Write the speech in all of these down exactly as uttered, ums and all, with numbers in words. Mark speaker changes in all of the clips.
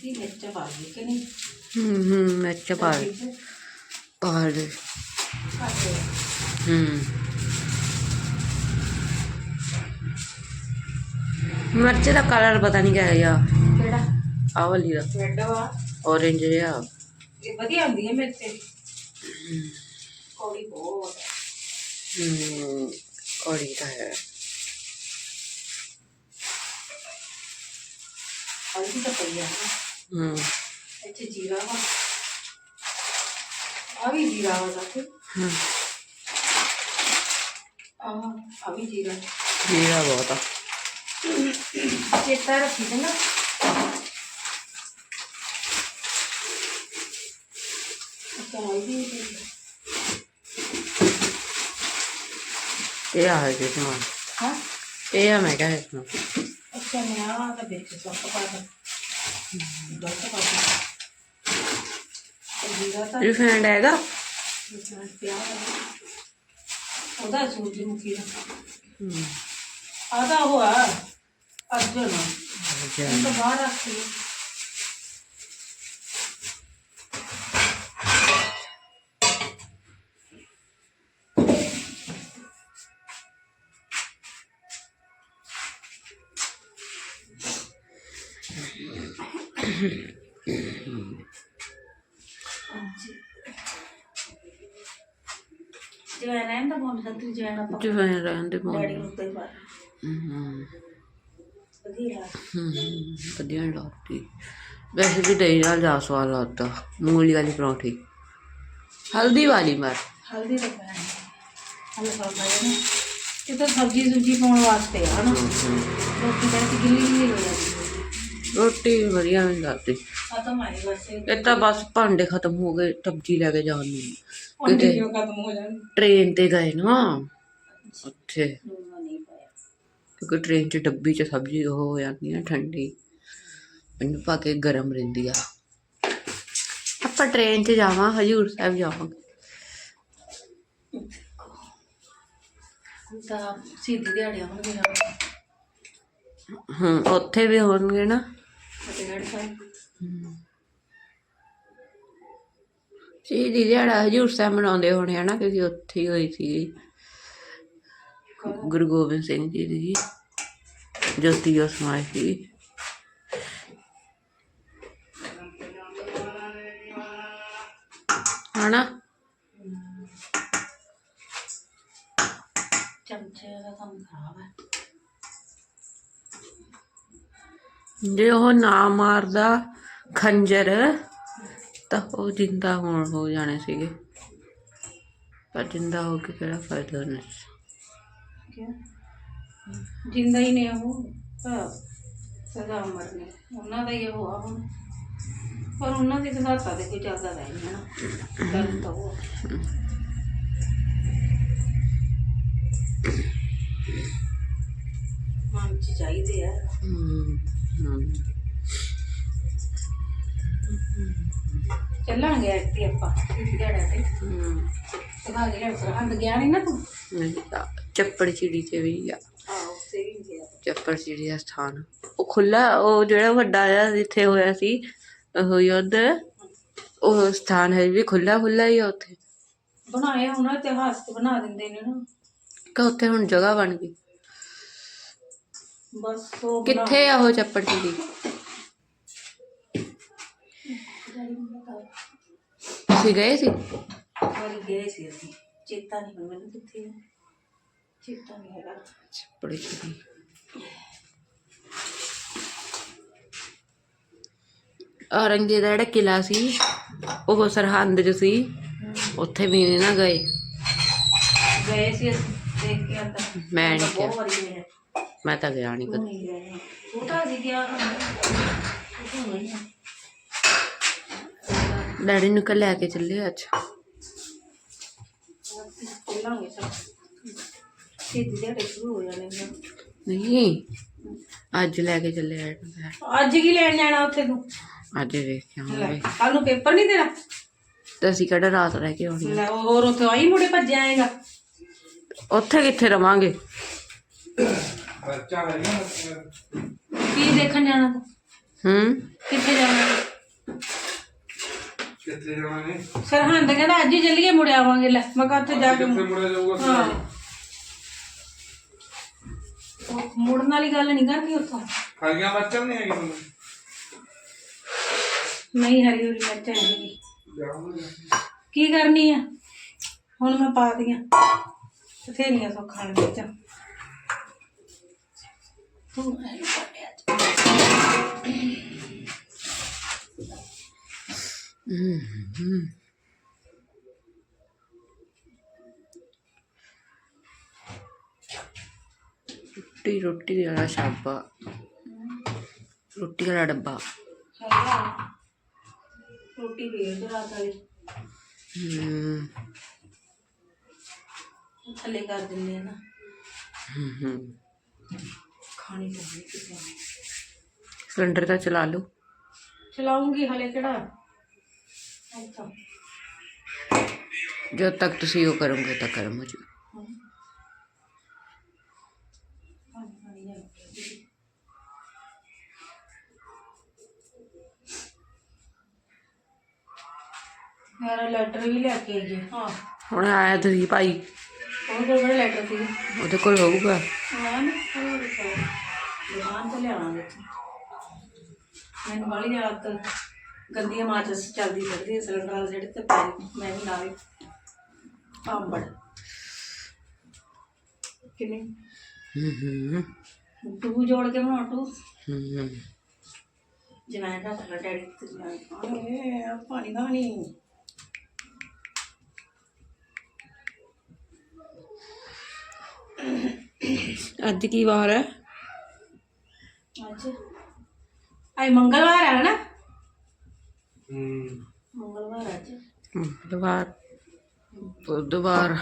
Speaker 1: की मिर्च पा दी कि नहीं?
Speaker 2: हम्म हम्म मिर्च पा पा दे। हम्म मिर्च का कलर पता नहीं क्या है यार।
Speaker 1: केड़ा
Speaker 2: आ वाली दा
Speaker 1: रेड वा
Speaker 2: ऑरेंज जिहा।
Speaker 1: ये बढ़िया होंदी है मिर्च कौड़ी बहुत
Speaker 2: हम्म कौड़ी दा है।
Speaker 1: हल्दी तो पई है
Speaker 2: हम्म
Speaker 1: अच्छे जीरा वा आ भी जीरा वा साथे
Speaker 2: हम्म
Speaker 1: आ आ भी जीरा
Speaker 2: जीरा बहुत आ।
Speaker 1: चेता रखी थे ना अच्छा हल्दी
Speaker 2: ये आ है इसमें।
Speaker 1: हाँ
Speaker 2: ये है मैं क्या है इसमें।
Speaker 1: अच्छा मैं आ तो बेच सब पा दे दस पा दे जीरा था
Speaker 2: रिफाइंड आएगा।
Speaker 1: प्याज ਉਹਦਾ ਸੂਰਜਮੁਖੀ ਦਾ
Speaker 2: हम्म
Speaker 1: ਆਦਾ ਹੋਆ ਅਰਜਨ ਇਹ ਤਾਂ ਬਾਹਰ ਰੱਖੀ ਜਵੈਣ ਐਂ ਤਾਂ ਬੋਲ ਸਕਦੀ ਜਵੈਣ ਆਪਾਂ
Speaker 2: ਜਵੈਣ ਰਹਿਣ ਦੇ ਪਾਉਣੀ।
Speaker 1: ਡੈਡੀ ਨੂੰ ਉੱਤੇ ਪਾ
Speaker 2: ਹਮ
Speaker 1: ਵਧੀਆ
Speaker 2: ਹਮ ਵਧੀਆ ਨੀ ਲੱਗਦੀ। वैसे भी दही नाल ज्यादा स्वाद लगता। मूंगली वाली परांठी हल्दी वाली मार
Speaker 1: ਹਲਦੀ ਦਾ ਪੈਣ ਹਲਕਾ ਪਾਇਆ ਨਾ ਇਹ ਤਾਂ ਸਬਜ਼ੀ ਸੁਬਜ਼ੀ ਪਾਉਣ ਵਾਸਤੇ ਆ ਨਾ ਰੋਟੀ ਕਰਕੇ ਗਿੱਲੀ ਗਿੱਲੀ ਹੋ ਜਾਂਦੀ
Speaker 2: रोटी वधिया नहीं लगती।
Speaker 1: ਖਤਮ ਆਈ ਵੈਸੇ
Speaker 2: ਇਹ ਤਾਂ ਬਸ ਭਾਂਡੇ ਖਤਮ ਹੋ ਗਏ ਸਬਜ਼ੀ ਲੈ ਕੇ ਜਾਣ ਨੂੰ।
Speaker 1: ਅੰਡੇ ਕਿਉਂ ਖਤਮ ਹੋ ਜਾਣ
Speaker 2: ਟ੍ਰੇਨ ਤੇ ਗਏ ਨਾ ਉੱਥੇ
Speaker 1: ਲੂਣ ਨਹੀਂ ਪਾਇਆ
Speaker 2: ਕਿਉਂਕਿ ਟ੍ਰੇਨ 'ਚ ਡੱਬੀ 'ਚ ਸਬਜ਼ੀ ਉਹ ਹੋ ਜਾਂਦੀ ਨਾ ਠੰਡੀ ਮੈਨੂੰ ਪਾ ਕੇ ਗਰਮ ਰਹਿੰਦੀ ਆ। ਆਪਾਂ ਟ੍ਰੇਨ 'ਚ ਜਾਵਾਂ ਹਜ਼ੂਰ ਸਾਹਿਬ ਜਾਵਾਂਗੇ।
Speaker 1: ਤਾਂ ਸਿੱਧੀ ਦਿਹਾੜੀਆਂ ਹੋਣਗੇ ਨਾ
Speaker 2: ਹੂੰ ਉੱਥੇ ਵੀ ਹੋਣਗੇ ਨਾ
Speaker 1: ਫਤਿਹਗੜ੍ਹ ਸਾਹਿਬ
Speaker 2: ਸ਼ਹੀਦੀ ਦਿਹਾੜਾ ਹਜ਼ੂਰ ਸਾਹਿਬ ਮਨਾਉਂਦੇ ਹੋਣੇ ਆ ਨਾ ਕਿਉਂਕਿ ਉੱਥੇ ਹੀ ਹੋਈ ਸੀ ਗੁਰੂ ਗੋਬਿੰਦ ਸਿੰਘ ਜੀ ਦੀ ਜੋਤੀ ਜੋਤ ਸਮਾਈ ਸੀ। ਹਨਾ
Speaker 1: ਚਮਚੇ ਦਾ ਕੰਮ ਖਰਾਬ ਹੈ
Speaker 2: ਜੇ ਉਹ ਨਾ ਮਾਰਦਾ ਖੰਜਰ ਤਾਂ ਉਹ ਜਿੰਦਾ ਹੋਣ ਹੋ ਜਾਣੇ ਸੀਗੇ ਪਰ ਜਿੰਦਾ ਹੋ ਕੇ ਕਿਹੜਾ ਫਾਇਦਾ ਉਹਨਾਂ
Speaker 1: ਕਿਉਂ ਜਿੰਦਾ ਹੀ ਨੇ ਉਹ ਤਾਂ ਸਦਾ ਉਮਰ ਨੇ ਉਹਨਾਂ ਦਾ ਹੀ ਉਹ ਆ ਹੁਣ ਪਰ ਉਹਨਾਂ ਦੀ ਤਾਂ ਹੱਥਾਂ ਤੇ ਕੋਈ ਚੱਲਦਾ ਰਹਿ ਨਹੀਂ ਨਾ ਗੱਲ ਤਾਂ ਉਹ ਮਨ ਚ ਚਾਹੀਦੇ ਆ ਚੱਲਾਂਗੇ ਇੱਥੇ ਆਪਾਂ ਦਿਹਾੜਾ ਤੇ ਸਦਾ ਜਿਹੜਾ ਸਰਹੰਦ ਗਿਆ ਨਹੀਂ ਨਾ ਤੂੰ
Speaker 2: ਚੱਪੜ ਚਿੜੀ ਤੇ ਵੀ ਆ
Speaker 1: ਆਹੋ ਉੱਥੇ ਵੀ ਗਿਆ
Speaker 2: ਚੱਪੜ ਚਿੜੀ ਦਾ ਸਥਾਨ ਉਹ ਖੁੱਲਾ ਉਹ ਜਿਹੜਾ ਵੱਡਾ ਜਿਹਾ ਜਿੱਥੇ ਹੋਇਆ ਸੀ ਉਹ ਯੁੱਧ ਉਹ ਸਥਾਨ ਹੈ ਵੀ ਖੁੱਲਾ ਖੁੱਲਾ ਹੀ ਆ ਉੱਥੇ
Speaker 1: ਬਣਾਇਆ ਹੁਣ ਇਤਿਹਾਸ ਤੇ ਬਣਾ ਦਿੰਦੇ ਨੇ ਨਾ
Speaker 2: ਕਿ ਉੱਥੇ ਹੁਣ ਜਗ੍ਹਾ ਬਣ ਗਈ।
Speaker 1: ਬਸ ਉਹ
Speaker 2: ਕਿੱਥੇ ਆ ਉਹ ਚੱਪੜ ਚਿੜੀ ਤੁਸੀਂ ਗਏ ਸੀ
Speaker 1: ਵਾਰੀ ਗਏ ਸੀ ਅਸੀਂ ਚੇਤਾ ਨਹੀਂ ਹੁਣ ਮੈਨੂੰ ਕਿੱਥੇ ਚੇਤਾ ਨਹੀਂ ਹੈਗਾ
Speaker 2: ਚੱਪੜ ਚਿੜੀ ਔਰੰਗਜ਼ੇਬ ਦਾ ਜਿਹੜਾ ਕਿਲ੍ਹਾ ਸੀ ਉਹ ਸਰਹੰਦ 'ਚ ਸੀ ਉੱਥੇ ਵੀ ਨਹੀਂ ਨਾ ਗਏ
Speaker 1: ਗਏ ਸੀ ਅਸੀਂ ਦੇਖ ਕੇ ਆਂਦਾ
Speaker 2: ਮੈਂ ਨਹੀਂ
Speaker 1: ਬਹੁਤ
Speaker 2: ਗਿਆ
Speaker 1: ਵਾਰੀ ਗਏ
Speaker 2: ਮੈਂ ਤਾਂ ਗਿਆ ਨਹੀਂ ਕਦੇ।
Speaker 1: ਨਹੀਂ ਗਏ ਛੋਟਾ ਸੀ ਗਿਆ
Speaker 2: ਡੈਡੀ ਨੂੰ ਕੱਲ ਲੈ ਕੇ ਚੱਲੇ ਅੱਜ
Speaker 1: ਚੱਲਾਂਗੇ ਸਭ ਸਿੱਧੀ ਦਿਹਾੜੇ ਸ਼ੁਰੂ ਹੋ ਜਾਣੇ ਨੇ
Speaker 2: ਨਹੀਂ ਅੱਜ ਲੈ ਕੇ ਚੱਲੇ ਡੈਡੀ ਨੂੰ।
Speaker 1: ਅੱਜ ਕੀ ਲੈਣ ਜਾਣਾ ਉੱਥੇ ਤੂੰ
Speaker 2: ਅੱਜ ਵੇਖ ਕੇ ਆਵਾਂਗੇ
Speaker 1: ਕੱਲ ਨੂੰ ਪੇਪਰ ਨਹੀਂ ਤੇਰਾ
Speaker 2: ਤੇ ਅਸੀਂ ਕਿਹੜਾ ਰਾਤ ਰਹਿ ਕੇ ਆਉਣੀ ਆ।
Speaker 1: ਲੈ ਹੋਰ ਉੱਥੇ ਆਈ ਮੁੜੇ ਭੱਜ ਆਏਗਾ
Speaker 2: ਉੱਥੇ ਕਿੱਥੇ ਰਵਾਂਗੇ
Speaker 1: ਕੀ ਦੇਖਣ ਜਾਣਾ ਤੂੰ
Speaker 2: ਹੂੰ
Speaker 1: ਕਿੱਥੇ ਜਾਣਾ
Speaker 3: ਕਿੱਥੇ ਜਾਣਾ ਨੇ
Speaker 1: ਸਰਹੰਦ ਕਹਿੰਦਾ ਅੱਜ ਹੀ ਚੱਲੀਏ ਮੁੜ ਆਵਾਂਗੇ ਲੈ ਮੈਂ ਕਿਹਾ ਉੱਥੇ ਜਾ ਕੇ
Speaker 3: ਕਿੱਥੇ ਮੁੜਿਆ ਜਾਊਗਾ
Speaker 1: ਹਾਂ ਉਹ ਮੁੜਨ ਵਾਲੀ ਗੱਲ ਨਹੀਂ ਕਰਨੀ ਉੱਥੋਂ
Speaker 3: ਹਰੀਆਂ ਮਿਰਚਾਂ ਨਹੀਂ ਹੈਗੀ ਤੁਹਾਨੂੰ
Speaker 1: ਨਹੀਂ ਹਰੀ ਹਰੀ ਮਿਰਚ ਹੈਗੀ
Speaker 3: ਜਾਵਾਂਗੇ
Speaker 1: ਕੀ ਕਰਨੀ ਆ ਹੁਣ ਮੈਂ ਪਾ ਦੀਆਂ ਬਥੇਰੀਆਂ ਸੌਖਾਂ ਨੇ ਮਿਰਚਾਂ ਤੂੰ ਐ ਪੜਿਆ
Speaker 2: ਰੋਟੀ ਰੋਟੀ ਵਾਲਾ ਛਾਪਾ ਰੋਟੀ ਵਾਲਾ ਡੱਬਾ
Speaker 1: ਹੈਗਾ ਰੋਟੀ ਵੇਚ ਰਾਤ ਵਾਲੀ
Speaker 2: ਹੂੰ
Speaker 1: ਥੱਲੇ ਕਰ ਦਿੰਦੇ ਆ ਨਾ
Speaker 2: ਹੂੰ ਹੂੰ
Speaker 1: ਖਾਣੀ ਪਊਗੀ ਕਿਸੇ ਨੇ
Speaker 2: ਸਿਲੰਡਰ ਤਾਂ ਚਲਾ ਲਓ
Speaker 1: ਚਲਾਉਂਗੀ ਹਲੇ ਕਿਹੜਾ ਅੱਛਾ
Speaker 2: ਜਦ ਤੱਕ ਤੁਸੀਂ ਉਹ ਕਰੋਗੇ ਤਾਂ ਕਰਮ ਹੋ ਜੂ ਮੇਰਾ ਲੈਟਰ ਵੀ ਲੈ ਕੇ ਆਈਏ ਹਾਂ ਹੁਣ ਆਇਆ ਤੁਸੀਂ ਭਾਈ
Speaker 1: ਉਹ ਕੋਲ ਕਿਹੜਾ ਲੈਟਰ ਸੀ
Speaker 2: ਉਹਦੇ ਕੋਲ ਹੋਊਗਾ
Speaker 1: ਮੈਂ ਨਾ ਹੋਰ ਦੁਕਾਨ ਤੋਂ ਲਿਆਵਾਂਗੇ ਮੈਨੂੰ ਵਾਲੀ ਆਦਤ ਗੰਦੀਆਂ ਮਾਚਸ ਚੱਲਦੀ ਫਿਰਦੀ ਸਿਲੰਡਰ ਵਾਲੇ ਜਿਹੜੇ ਤੇ ਪੈ ਮੈਂ ਵੀ ਨਾਲੇ ਪਾਂਬੜ ਕਿੰਨੇ
Speaker 2: ਹੂੰ ਹੂੰ
Speaker 1: ਟੂ ਜੋੜ ਕੇ ਬਣਾ ਟੂ
Speaker 2: ਹੂੰ
Speaker 1: ਜਮੈਨ ਦਾ ਥੱਲੇ ਡੈਡੀ ਤੇ ਜਮੈਨ ਪਾਣੀ ਪਾਣੀ ਦਾ ਨਹੀਂ
Speaker 2: ਅੱਜ ਕੀ ਵਾਰ ਹੈ
Speaker 1: ਅੱਜ ਅੱਜ ਮੰਗਲਵਾਰ ਹੈ ਨਾ
Speaker 3: ਹੂੰ
Speaker 1: ਮੰਗਲਵਾਰ ਅੱਜ
Speaker 2: ਬੁੱਧਵਾਰ ਬੁੱਧਵਾਰ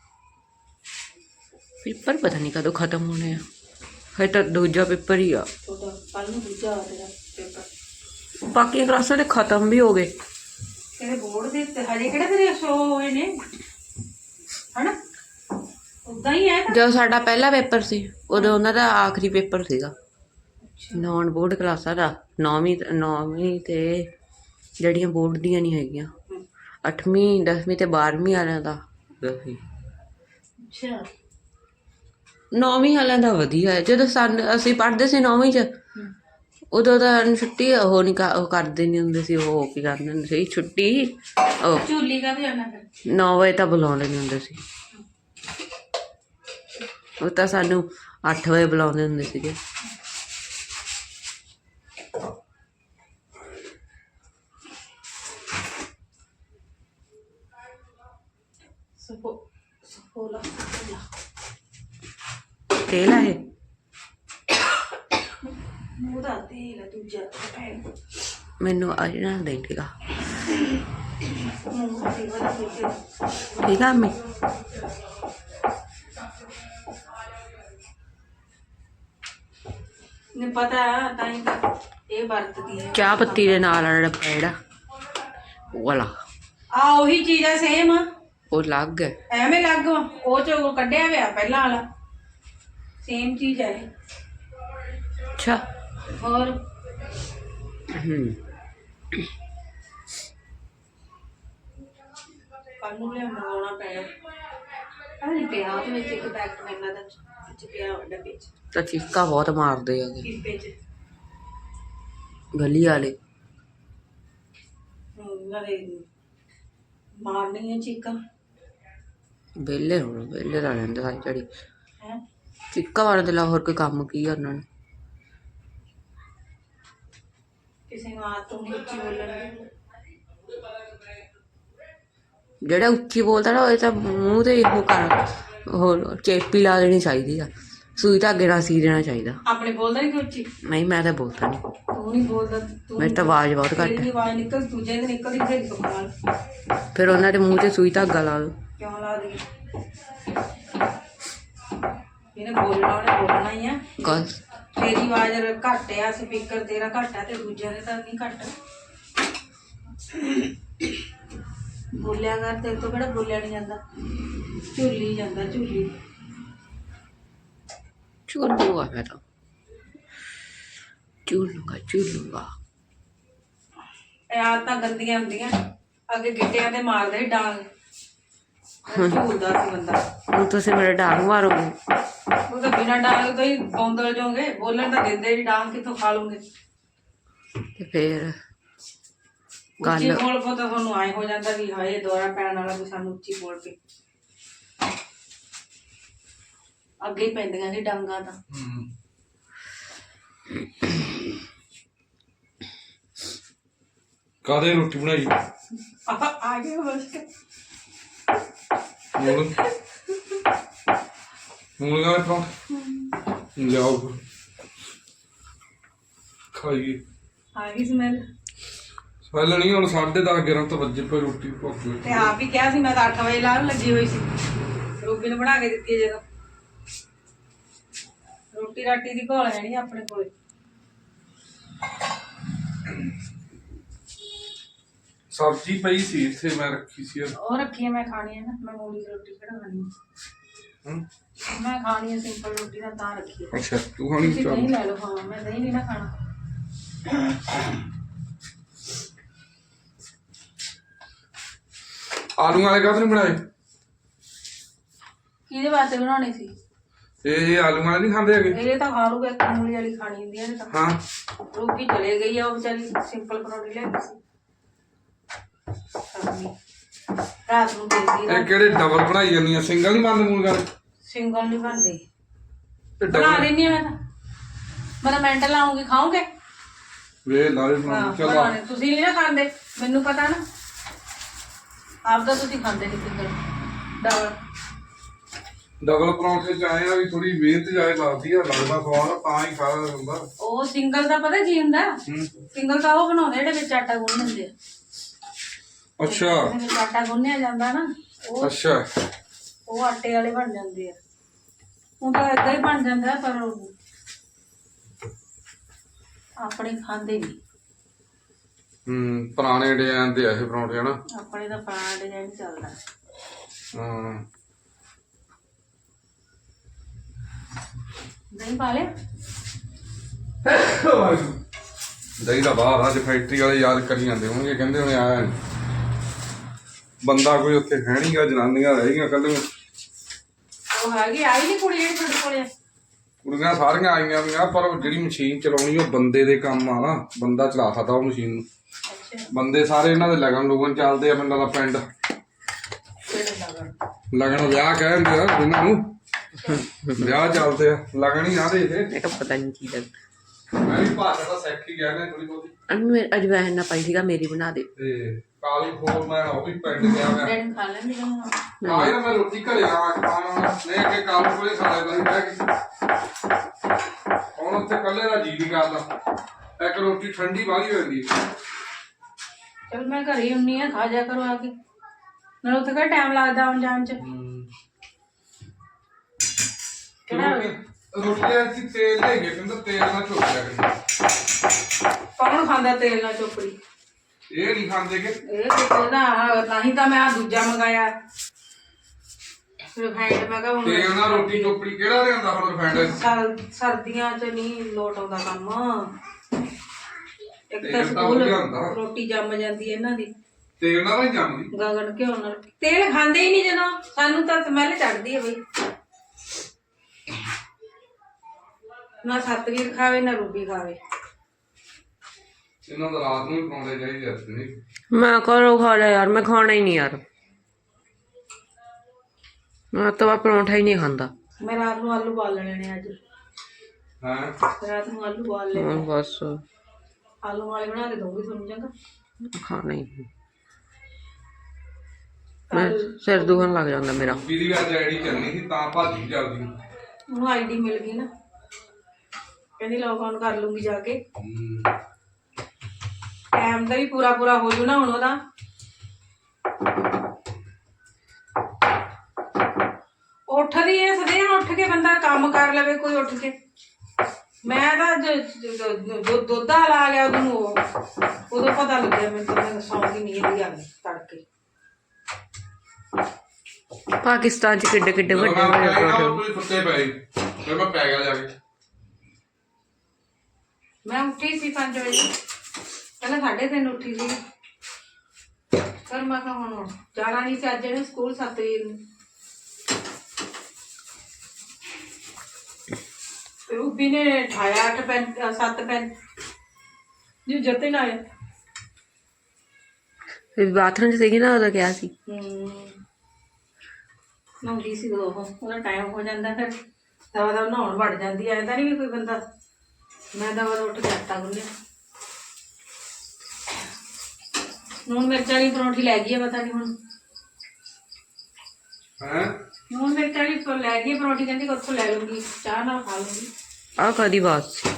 Speaker 2: ਪੇਪਰ ਪਤਾ ਨਹੀਂ ਕਦੋਂ ਖਤਮ ਹੋਣੇ ਆ ਹੈ ਤਾਂ ਦੂਜਾ ਪੇਪਰ ਹੀ ਆ
Speaker 1: ਤੁਹਾਡਾ ਕੱਲ ਨੂੰ ਦੂਜਾ ਆ ਤੇਰਾ ਪੇਪਰ
Speaker 2: ਬਾਕੀ ਕਲਾਸਾਂ ਦੇ ਖਤਮ ਵੀ ਹੋ ਗਏ
Speaker 1: ਤੇਰੇ ਬੋਰਡ ਦੇ ਉੱਤੇ ਹਜੇ ਕਿਹੜਾ ਤੇਰੇ ਸ਼ੋ ਹੋਏ ਨੇ ਹਨਾ ਉਦਾਂ ਹੀ ਹੈ
Speaker 2: ਜਦੋਂ ਸਾਡਾ ਪਹਿਲਾ ਪੇਪਰ ਸੀ ਉਦੋਂ ਉਹਨਾਂ ਦਾ ਆਖਰੀ ਪੇਪਰ ਸੀਗਾ ਨੌਨ ਬੋਰਡ ਕਲਾਸਾਂ ਦਾ ਨੌਵੀਂ ਨੌਵੀਂ ਤੇ ਜਿਹੜੀਆਂ ਬੋਰਡ ਦੀਆਂ ਨਹੀਂ ਹੈਗੀਆਂ ਅੱਠਵੀਂ ਦਸਵੀਂ ਤੇ ਬਾਰਵੀਂ ਵਾਲਿਆਂ ਦਾ ਸੀ
Speaker 1: ਅੱਛਾ
Speaker 2: ਨੌਵੀਂ ਵਾਲਿਆਂ ਦਾ ਵਧੀਆ ਹੈ ਜਦੋਂ ਸਾਨੂੰ ਅਸੀਂ ਪੜ੍ਹਦੇ ਸੀ ਨੌਵੀਂ 'ਚ ਉਦੋਂ ਤਾਂ ਛੁੱਟੀ ਉਹ ਨਹੀਂ ਉਹ ਕਰਦੇ ਨਹੀਂ ਹੁੰਦੇ ਸੀ ਉਹ ਕੀ ਕਰਦੇ ਹੁੰਦੇ ਸੀ ਛੁੱਟੀ ਉਹ
Speaker 1: ਝੂਲੀ ਕਾ ਵੀ ਆਣਾ ਫਿਰ
Speaker 2: ਨੌ ਵਜੇ ਤਾਂ ਬੁਲਾਉਂਦੇ ਨਹੀਂ ਹੁੰਦੇ ਸੀ ਉਹ ਤਾਂ ਸਾਨੂੰ ਅੱਠ ਵਜੇ ਬੁਲਾਉਂਦੇ ਹੁੰਦੇ ਸੀਗੇ
Speaker 1: ਸਪੋ ਸਪੋਲਾ ਸਪੋਲਾ
Speaker 2: ਤੇਲ ਆ ਇਹ
Speaker 1: ਉਹਦਾ ਤੇਲ ਦੂਜਾ
Speaker 2: ਮੈਨੂੰ ਅੱਜ ਨਾ ਦੇਂਗਾ
Speaker 1: ਮੂੰਹ ਤੇ ਵਾਲਾ ਤੇਲ
Speaker 2: ਠੀਕ ਆ ਮੈਂ
Speaker 1: ਨੇ ਪਤਾ ਤਾਂ ਹੀ ਤਾਂ ਇਹ ਵਰਤਦੀ ਹੈ
Speaker 2: ਚਾਹ ਪੱਤੀ ਦੇ ਨਾਲ ਵਾਲਾ ਡੱਬਾ ਜਿਹੜਾ ਉਹ ਵਾਲਾ
Speaker 1: ਆ ਉਹੀ ਚੀਜ਼ ਆ ਸੇਮ
Speaker 2: ਉਹ ਅਲੱਗ ਹੈ
Speaker 1: ਐਵੇਂ ਲੱਗ ਉਹ ਚੋਂ ਕੱਢਿਆ ਹੋਇਆ ਪਹਿਲਾਂ ਵਾਲਾ ਸੇਮ ਚੀਜ਼ ਹੈ
Speaker 2: ਅੱਛਾ
Speaker 1: ਹੋਰ
Speaker 2: ਹੂੰ
Speaker 1: ਕੱਲ ਨੂੰ ਲਿਆ ਮੰਗਾਉਣਾ ਪੈਣਾ ਆ ਨਹੀਂ ਪਿਆ ਉਹਦੇ ਵਿੱਚ ਇੱਕ ਪੈਕਟ ਮੈਨਾਂ ਦਾ ਵਿੱਚ ਪਿਆ ਡੱਬੇ ਚ
Speaker 2: ਤਾਂ ਚੀਕਾਂ ਬਹੁਤ ਮਾਰਦੇ ਹੈਗੇ
Speaker 1: ਪੀਪੇ ਚ
Speaker 2: ਗਲੀ ਵਾਲੇ
Speaker 1: ਨਾਲੇ ਮਾਰਨੀ ਹੈ ਚੀਕਾਂ
Speaker 2: ਵਿਹਲੇ ਹੁਣ ਵਿਹਲੇ ਦਾ ਰਹਿੰਦੇ ਸਾਰੀ ਜਿਹੜੀ
Speaker 1: ਹੈ
Speaker 2: ਚੀਕਾਂ ਵਾਲੇ ਦੇ ਲਾ ਹੋਰ ਕੋਈ ਕੰਮ ਕੀ ਆ ਉਹਨਾਂ ਨੇ
Speaker 1: ਕਿਸੇ ਨੂੰ ਆਦਤ ਨਹੀਂ ਉੱਚੀ ਬੋਲਣ ਦੀ
Speaker 2: ਜਿਹੜਾ ਉੱਚੀ ਬੋਲਦਾ ਨਾ ਉਹ ਤਾਂ ਮੂੰਹ ਤੇ ਉਹ ਕਰ ਉਹ ਚੇਪੀ ਲਾ ਦੇਣੀ ਚਾਹੀਦੀ ਆ ਸੂਈ ਧਾਗੇ ਨਾਲ ਸੀ ਦੇਣਾ ਚਾਹੀਦਾ
Speaker 1: ਆਪਣੇ ਬੋਲਦਾ ਨਹੀਂ ਉੱਚੀ
Speaker 2: ਨਹੀਂ ਮੈਂ ਤਾਂ ਬੋਲਦਾ ਨਹੀਂ
Speaker 1: ਤੂੰ ਨਹੀਂ ਬੋਲਦਾ ਤੂੰ
Speaker 2: ਮੇਰੀ ਤਾਂ ਆਵਾਜ਼ ਬਹੁਤ ਘੱਟ
Speaker 1: ਤੇਰੀ
Speaker 2: ਹੈ
Speaker 1: ਆਵਾਜ਼ ਨਿਕਲ ਦੂਜੇ ਦੇ ਨਿਕਲਦੀ ਫਿਰ ਸੁੱਖ ਨਾਲ
Speaker 2: ਫਿਰ ਉਹਨਾਂ ਦੇ ਮੂੰਹ 'ਤੇ ਸੂਈ ਧਾਗਾ ਲਾ ਦਿਓ
Speaker 1: ਕਿਉਂ ਲਾ ਦੀ ਇਹਨੇ ਬੋਲਣਾ ਉਹਨੇ ਬੋਲਣਾ ਹੀ ਆ
Speaker 2: ਗੱਲ
Speaker 1: ਤੇਰੀ ਆਵਾਜ਼ ਘੱਟ ਆ ਸਪੀਕਰ ਤੇਰਾ ਘੱਟ ਆ ਤੇ ਦੂਜਿਆਂ ਦੇ ਤਾਂ ਨਹੀਂ ਘੱਟ ਬੋਲਿਆ ਕਰ ਤੇਰੇ ਤੋਂ ਕਿਹੜਾ ਬੋਲਿਆ ਨਹੀਂ ਜਾਂਦਾ ਝੂਲੀ ਜਾਂਦਾ ਝੂਲੀ
Speaker 2: ਝੋਲੂ ਆ ਮੈਂ ਤਾਂ ਝੂਲੂਗਾ ਝੂਲੂਗਾ।
Speaker 1: ਇਹ ਆਦਤਾਂ ਗੰਦੀਆਂ ਹੁੰਦੀਆਂ। ਅੱਗੇ ਗਿੱਟਿਆਂ ਤੇ ਮਾਰਦੇ ਸੀ ਡਾਂਗ, ਝੂਲਦਾ ਸੀ ਬੰਦਾ।
Speaker 2: ਹੁਣ ਤੁਸੀਂ ਮੇਰੇ ਡਾਂਗ ਮਾਰੋਗੇ।
Speaker 1: ਉਹ ਤਾਂ ਬਿਨਾਂ ਡਾਂਗ ਤੋਂ ਹੀ ਬੌਂਦਲ ਜਾਓਗੇ, ਬੋਲਣ ਤਾਂ ਦਿੰਦੇ ਨਹੀਂ, ਡਾਂਗ ਕਿੱਥੋਂ ਖਾ ਲੂਗੇ।
Speaker 2: ਤੇ ਫੇਰ
Speaker 1: ਉੱਚੀ
Speaker 2: ਗੱਲ
Speaker 1: ਬੋਲ ਪੋ ਤਾਂ ਤੁਹਾਨੂੰ ਆਏ ਹੋ ਜਾਂਦਾ ਵੀ ਹਾਏ ਦੌਰਾ ਪੈਣ ਵਾਲਾ ਵੀ ਸਾਨੂੰ ਉੱਚੀ ਬੋਲ ਕੇ ਅੱਗੇ ਹੀ ਪੈਂਦੀਆਂ ਸੀ ਡਾਂਗਾਂ ਤਾਂ।
Speaker 3: ਹੂੰ ਕਾਦੇ ਰੋਟੀ ਬਣਾਈ
Speaker 1: ਆ ਗਏ ਬਸ।
Speaker 3: ਮੂਲ ਮੂਲ ਗਾਲੇ ਪਰੌਂਠੇ ਲਿਆਓ ਖਾਈਏ।
Speaker 1: ਆ ਗਈ ਸਮੈਲ।
Speaker 3: ਪਹਿਲਾਂ ਨਹੀਂ ਹੁਣ ਸਾਢੇ ਦਸ ਗਿਆਰਾਂ ਤੋਂ ਵੱਜੇ ਪਏ ਰੋਟੀ ਭੁੱਖ ਲੱਗੀ।
Speaker 1: ਤੇ ਆਪ ਹੀ ਕਿਹਾ ਸੀ ਮੈਂ ਤਾਂ ਅੱਠ ਵਜੇ ਲਾਉਣ ਲੱਗੀ ਹੋਈ ਸੀ, ਰੋਟੀ ਨੂੰ ਬਣਾ ਕੇ ਦਿੱਤੀ ਜਦੋਂ। ਰੋਟੀ ਰਾਟੀ ਦੀ ਘੋਲ ਹੈ ਨਹੀਂ ਆਪਣੇ ਕੋਲੇ।
Speaker 3: ਸਬਜ਼ੀ ਪਈ ਸੀ ਇੱਥੇ ਮੈਂ ਰੱਖੀ ਸੀ।
Speaker 1: ਉਹ ਰੱਖੀ ਹੈ, ਮੈਂ ਖਾਣੀ ਹੈ ਨਾ, ਮੈਂ ਮੂਲੀ ਦੀ ਰੋਟੀ ਕਿਹੜਾ ਖਾਣੀ ਹੈ।
Speaker 3: ਹੂੰ
Speaker 1: ਮੈਂ ਖਾਣੀ ਹੈ ਸਿੰਪਲ ਰੋਟੀ ਨਾਲ ਤਾਂ ਰੱਖੀ ਹੈ।
Speaker 3: ਅੱਛਾ ਤੂੰ ਖਾਣੀ
Speaker 1: ਤੁਸੀਂ
Speaker 3: ਚਾਹ
Speaker 1: ਦਹੀਂ ਲੈ ਲਓ। ਹਾਂ ਮੈਂ ਦਹੀਂ ਨਹੀਂ ਨਾ ਖਾਣਾ।
Speaker 3: ਆਲੂ ਵਾਲੇ ਕਾਹਦੇ ਨਹੀਂ ਬਣਾਏ?
Speaker 1: ਕਿਹਦੇ ਵਾਸਤੇ ਬਣਾਉਣੇ ਸੀ?
Speaker 3: ਇਹ ਆਲੂ ਵਾਲੇ ਨਹੀਂ ਖਾਂਦੇ ਹੈਗੇ?
Speaker 1: ਇਹ ਤਾਂ ਖਾ ਲੂਗਾ, ਇੱਕ ਮੂਲੀ ਵਾਲੀ ਖਾਣੀ ਹੁੰਦੀ ਹੈ ਇਹ ਤਾਂ।
Speaker 3: ਹਾਂ
Speaker 1: ਰੋਟੀ ਚਲੇ ਗਈ ਆ, ਉਹ ਵਿਚਾਰੀ ਸਿੰਪਲ ਪਰੌਂਠੀ ਲੈ ਗਈ ਸੀ ਸ਼ਾਮੀ। ਰਾਤ ਨੂੰ ਦੇਦੀ
Speaker 3: ਇਹ ਕਿਹੜੇ ਡਬਲ ਬਣਾਈ ਜਾਂਦੀ ਆ? ਸਿੰਗਲ ਨਹੀਂ ਬੰਦ ਮੂਲ ਗੱਲ?
Speaker 1: ਸਿੰਗਲ ਨਹੀਂ ਬਣਦੇ।
Speaker 3: ਇਹ
Speaker 1: ਬਣਾ
Speaker 3: ਡਬਲ
Speaker 1: ਲੈਣੀ ਆ ਮੈਂ ਤਾਂ। ਮੈਂ ਤਾਂ ਮਿੰਟ ਲਾਉਂਗੀ, ਖਾਓਗੇ?
Speaker 3: ਵੇ ਲਾਲੇ ਬਣਾ
Speaker 1: ਹਾਂ
Speaker 3: ਚੱਲ
Speaker 1: ਬਣਾਉਣੇ। ਤੁਸੀਂ ਨਹੀਂ ਨਾ ਖਾਂਦੇ, ਮੈਨੂੰ ਪਤਾ ਨਾ। ਆਪ ਤਾਂ ਤੁਸੀਂ ਖਾਂਦੇ ਨਹੀਂ ਸਿੰਗਲ ਡਬਲ।
Speaker 3: ਡਬਲ ਪਰੌਂਠੇ ਚ ਆਏ ਆ ਵੀ ਥੋੜੀ ਮਿਹਨਤ ਜਾਏ ਲੱਗਦੀ ਆ, ਲੱਗਦਾ ਸਵਾਦ ਤਾਂ ਹੀ ਖਾ ਹੁੰਦਾ।
Speaker 1: ਉਹ ਸਿੰਗਲ ਦਾ ਪਤਾ ਕੀ ਹੁੰਦਾ?
Speaker 3: ਹੂੰ
Speaker 1: ਸਿੰਗਲ ਤਾਂ ਉਹ ਬਣਾਉਂਦੇ ਜਿਹੜੇ ਵਿੱਚ ਆਟਾ ਗੁੰਨ ਦਿੰਦੇ ਆ।
Speaker 3: ਅੱਛਾ
Speaker 1: ਜਿਹਦੇ ਵਿੱਚ ਆਟਾ ਗੁੰਨਿਆ ਜਾਂਦਾ ਨਾ, ਉਹ
Speaker 3: ਅੱਛਾ
Speaker 1: ਉਹ ਆਟੇ ਵਾਲੇ ਬਣ ਜਾਂਦੇ ਆ। ਉਹ ਤਾਂ ਏਦਾਂ ਹੀ ਬਣ ਜਾਂਦਾ, ਪਰ ਉਹ ਆਪਣੇ ਖਾਂਦੇ ਨਹੀਂ।
Speaker 3: ਹੂੰ ਪੁਰਾਣੇ ਡਿਜ਼ਾਈਨ ਦੇ ਆ ਇਹ ਪਰੌਂਠੇ ਹਨਾ।
Speaker 1: ਆਪਣੇ ਤਾਂ ਪੁਰਾਣਾ ਡਿਜ਼ਾਈਨ ਚੱਲਦਾ।
Speaker 3: ਹਾਂ
Speaker 1: ਦਹੀਂ ਪਾ ਲਿਆ?
Speaker 3: ਦਹੀਂ ਦਾ ਬਾਹਰ ਅੱਜ ਫੈਕਟਰੀ ਵਾਲੇ ਯਾਦ ਕਰੀ ਜਾਂਦੇ ਹੋਣਗੇ, ਕਹਿੰਦੇ ਹੋਣੇ ਆਇਆ ਨੀ ਬੰਦਾ ਕੋਈ ਉੱਥੇ ਹੈ ਨੀ ਗਾ, ਜਨਾਨੀਆਂ ਰਹਿ ਗਈਆਂ ਕੱਲ।
Speaker 1: ਉਹ ਹੈਗੀ ਆਈ ਨਹੀਂ ਕੁੜੀ ਜਿਹੜੀ ਤੁਹਾਡੇ ਕੋਲੇ?
Speaker 3: ਕੁੜੀਆਂ ਸਾਰੀਆਂ ਆਈਆਂ ਵੀਆਂ, ਪਰ ਉਹ ਜਿਹੜੀ ਮਸ਼ੀਨ ਚਲਾਉਣੀ ਉਹ ਬੰਦੇ ਦੇ ਕੰਮ ਆ ਨਾ, ਬੰਦਾ ਚਲਾ ਸਕਦਾ ਉਹ ਮਸ਼ੀਨ ਨੂੰ।
Speaker 1: ਅੱਛਾ
Speaker 3: ਬੰਦੇ ਸਾਰੇ ਇਹਨਾਂ ਦੇ ਲਗਨ ਲੁਗਨ ਚੱਲਦੇ ਆ ਪਿੰਡਾਂ ਦਾ। ਪਿੰਡ
Speaker 1: ਕਿਹੜੇ ਲਗਨ?
Speaker 3: ਲਗਨ ਵਿਆਹ ਕਹਿੰਦੇ ਆ ਇਹਨਾਂ ਨੂੰ, ਵਿਆਹ ਚੱਲਦੇ ਆ ਲਗਨ ਹੀ ਆ ਦੇ ਇਹ।
Speaker 2: ਮੈਂ ਕਿਹਾ ਪਤਾ ਨਹੀਂ ਕੀ ਲੱਗ।
Speaker 3: ਮੈਂ ਵੀ ਭਾਸ਼ਾ ਦਾ ਸਿੱਖ ਹੀ ਗਿਆ ਨਾ ਥੋੜੀ ਬਹੁਤੀ।
Speaker 2: ਅਨ ਅਜਵਾਇਨ ਨਾ ਪਾਈ ਸੀਗਾ, ਮੇਰੀ ਬਣਾ ਦੇ।
Speaker 3: ਤੇ ਕਾਲੀ ਖੋਲ ਮੈਂ ਉਹ ਵੀ ਪਿੰਡ ਗਿਆ ਮੈਂ
Speaker 1: ਡੈਡੀ ਖਾ ਲੈਂਦੀ ਨਾ।
Speaker 3: ਆਇਆ ਮੈਂ ਰੋਟੀ ਘਰੇ ਆ ਕੇ ਖਾਣਾ ਨਹੀਂ ਅੱਗੇ ਕਾਲੂ ਕੋਲੇ ਖਾ ਲਿਆ ਕਰੀ ਬਹਿ ਕੇ। ਹੁਣ ਉੱਥੇ ਕੱਲੇ ਦਾ ਜੀ ਨਹੀਂ ਕਰਦਾ, ਇੱਕ ਰੋਟੀ ਠੰਡੀ ਬਾਹਲੀ ਹੋ ਜਾਂਦੀ।
Speaker 1: ਚਲ ਮੈਂ ਘਰੇ ਹੀ ਹੁੰਨੀ ਆ, ਖਾ ਜਾ ਕਰੋ ਆ ਕੇ। ਨਾਲ ਉੱਥੇ ਕਿਹੜਾ ਟਾਈਮ ਲੱਗਦਾ ਆਉਣ ਜਾਣ ਚ। ਕਿਹੜਾ
Speaker 3: ਰੋਟੀਆਂ ਅਸੀਂ ਤੇਲ ਲੈ ਗਏ, ਕਹਿੰਦਾ ਤੇਲ ਨਾਲ ਚੋਪਿਆ ਕਰੀ।
Speaker 1: ਕੌਣ ਖਾਂਦਾ ਤੇਲ ਨਾਲ ਚੋਪੜੀ?
Speaker 3: ਇਹ ਨਹੀਂ ਖਾਂਦੇ ਕਿ
Speaker 1: ਇਹ ਕਿਤੇ ਨਾ, ਨਹੀਂ ਤਾਂ ਮੈਂ ਆ ਦੂਜਾ ਮੰਗਾਇਆ ਰਿਫਾਈਂਡ। ਮੈਂ ਕਿਹਾ ਹੁਣ
Speaker 3: ਤੇਲ ਨਾਲ ਰੋਟੀ ਚੋਪੜੀ ਕਿਹੜਾ ਲਿਆਂਦਾ ਹੁਣ ਰਿਫਾਈਂਡ?
Speaker 1: ਸਰ- ਸਰਦੀਆਂ ਚ ਨਹੀਂ ਲੋਟ ਆਉਂਦਾ ਕੰਮ। ਇੱਕ ਤਾਂ
Speaker 3: ਤੇਲ ਤਾਂ
Speaker 1: ਸਕੂਲ
Speaker 3: ਵਧੀਆ ਹੁੰਦਾ।
Speaker 1: ਰੋਟੀ ਜੰਮ ਜਾਂਦੀ ਹੈ ਇਹਨਾਂ ਦੀ
Speaker 3: ਤੇਲ ਨਾਲ ਨਹੀਂ ਜੰਮਦੀ।
Speaker 1: ਗਗਨ ਘਿਓ ਨਾਲ। ਤੇਲ ਖਾਂਦੇ ਹੀ ਨਹੀਂ ਜਦੋਂ, ਸਾਨੂੰ ਤਾਂ ਸਮੈਲ ਚੜਦੀ ਹੈ ਬਈ। ਨਾ ਸਤਵੀਰ ਖਾਵੇ ਨਾ ਰੂਬੀ ਖਾਵੇ।
Speaker 3: ਇਹਨਾਂ ਦਾ ਰਾਤ ਨੂੰ ਹੀ ਪਰੌਂਠੇ ਚਾਹੀਦੇ ਅੱਜ ਨਹੀਂ।
Speaker 2: ਮੈਂ ਕਰੋ ਖਾ ਲਿਆ ਯਾਰ, ਮੈਂ ਖਾਣਾ ਹੀ ਨਹੀਂ ਯਾਰ। ਮੈਂ ਤਾਂ ਪਰੌਂਠਾ ਹੀ ਨਹੀਂ ਖਾਂਦਾ।
Speaker 1: ਮੈਂ ਰਾਤ ਨੂੰ ਆਲੂ ਬਾਲ ਲੈਣੇ ਨੇ ਅੱਜ।
Speaker 3: ਹਾਂ
Speaker 1: ਰਾਤ ਨੂੰ ਆਲੂ ਬਾਲ ਲੈ।
Speaker 2: ਹੁਣ ਬਸ
Speaker 1: ਆਲੂ ਵਾਲੇ ਬਣਾ ਕੇ ਦਊਂਗੀ ਤੁਹਾਨੂੰ ਚੰਗਾ।
Speaker 2: ਖਾਣਾ ਹੀ ਨਹੀਂ। ਮੈਂ ਸਿਰ ਦੁਖਣ ਲੱਗ ਜਾਂਦਾ ਮੇਰਾ।
Speaker 3: ਵੀਦੀ ਵੀ ਅੱਜ ਆਈਡੀ ਚੱਲਣੀ ਸੀ ਤਾਂ ਭਾਜੀ ਚੱਲਦੀ।
Speaker 1: ਉਹਨੂੰ ਆਈਡੀ ਮਿਲ ਗਈ ਨਾ, ਕਹਿੰਦੀ ਲੌਗ ਆਨ ਕਰ ਲੂੰਗੀ ਜਾ ਕੇ। ਟਾਈਮ ਦਾ ਵੀ ਪੂਰਾ ਪੂਰਾ ਹੋ ਜੂ ਨਾ ਹੁਣ ਉਹਦਾ। ਉੱਠਦੀ ਐ ਸਦੇ ਉੱਠ ਕੇ ਬੰਦਾ ਕੰਮ ਕਰ ਲਵੇ ਕੋਈ ਉੱਠ ਕੇ। ਮੈਂ ਤਾਂ ਜੋ ਦੁੱਧ ਵਾਲਾ ਆ ਗਿਆ ਉਹਨੂੰ ਉਦੋਂ ਪਤਾ ਲੱਗਿਆ ਮੈਨੂੰ ਤਾਂ। ਮੈਂ ਸੌਂ ਗਈ ਨੀਂਦ ਹੀ ਆ ਗਈ ਤੜਕੇ।
Speaker 2: ਪਾਕਿਸਤਾਨ ਚ ਕਿੱਡੇ ਕਿੱਡੇ ਵੱਡੇ ਵੱਡੇ ਪਰੌਂਠੇ।
Speaker 3: ਸੁੱਤੇ ਪਏ ਫਿਰ ਮੈਂ ਪੈ ਗਿਆ ਜਾ ਕੇ।
Speaker 1: ਮੈਂ ਉੱਠੀ ਸੀ ਪੰਜ ਵਜੇ, ਪਹਿਲਾਂ ਸਾਢੇ ਤਿੰਨ ਉੱਠੀ ਸੀ। ਪਰ ਮੈਂ ਕਿਹਾ ਹੁਣ ਜਾਣਾ ਨਹੀਂ ਸੀ ਅੱਜ ਇਹਨੇ ਸਕੂਲ ਸੱਤ ਵਜੇ ਨੂੰ। ਰੂਬੀ ਨੇ ਉਠਾਇਆ ਅੱਠ ਪੈਂਤ ਸੱਤ ਪੈਂਤ ਜੀ ਜਤੇ ਨਾ ਆਇਆ।
Speaker 2: ਫਿਰ ਬਾਥਰੂਮ 'ਚ ਸੀਗੀ ਨਾ ਉਦੋਂ ਕਿਹਾ ਸੀ।
Speaker 1: ਨਹਾਉਂਦੀ ਸੀ ਉਦੋਂ ਉਹ ਉਹਦਾ ਟਾਈਮ ਹੋ ਜਾਂਦਾ ਫਿਰ ਦਵਾ ਦਵਾ ਨਹਾਉਣ ਵੜ ਜਾਂਦੀ ਐ ਤਾਂ ਨਹੀਂ ਵੀ ਕੋਈ ਬੰਦਾ। ਮੈਂ ਦਵਾ ਦਾ ਉੱਠ ਕੇ ਆਟਾ ਗੁੰਨਿਆ। ਨੂਣ ਮਿਰਚ ਵਾਲੀ ਪਰੌਂਠੀ ਲੈ ਗਈ ਆ ਪਤਾ ਨਹੀਂ ਹੁਣ।
Speaker 3: ਹੈ
Speaker 1: ਨੂਣ ਮਿਰਚ ਵਾਲੀ ਪ- ਲੈ ਗਈ ਪਰੌਂਠੀ, ਕਹਿੰਦੀ ਉੱਥੋਂ ਲੈ ਲੂੰਗੀ ਚਾਹ ਨਾਲ ਖਾ ਲੂੰਗੀ।
Speaker 2: ਆਹ ਕਾਹਦੀ ਬਾਤ ਸੀ?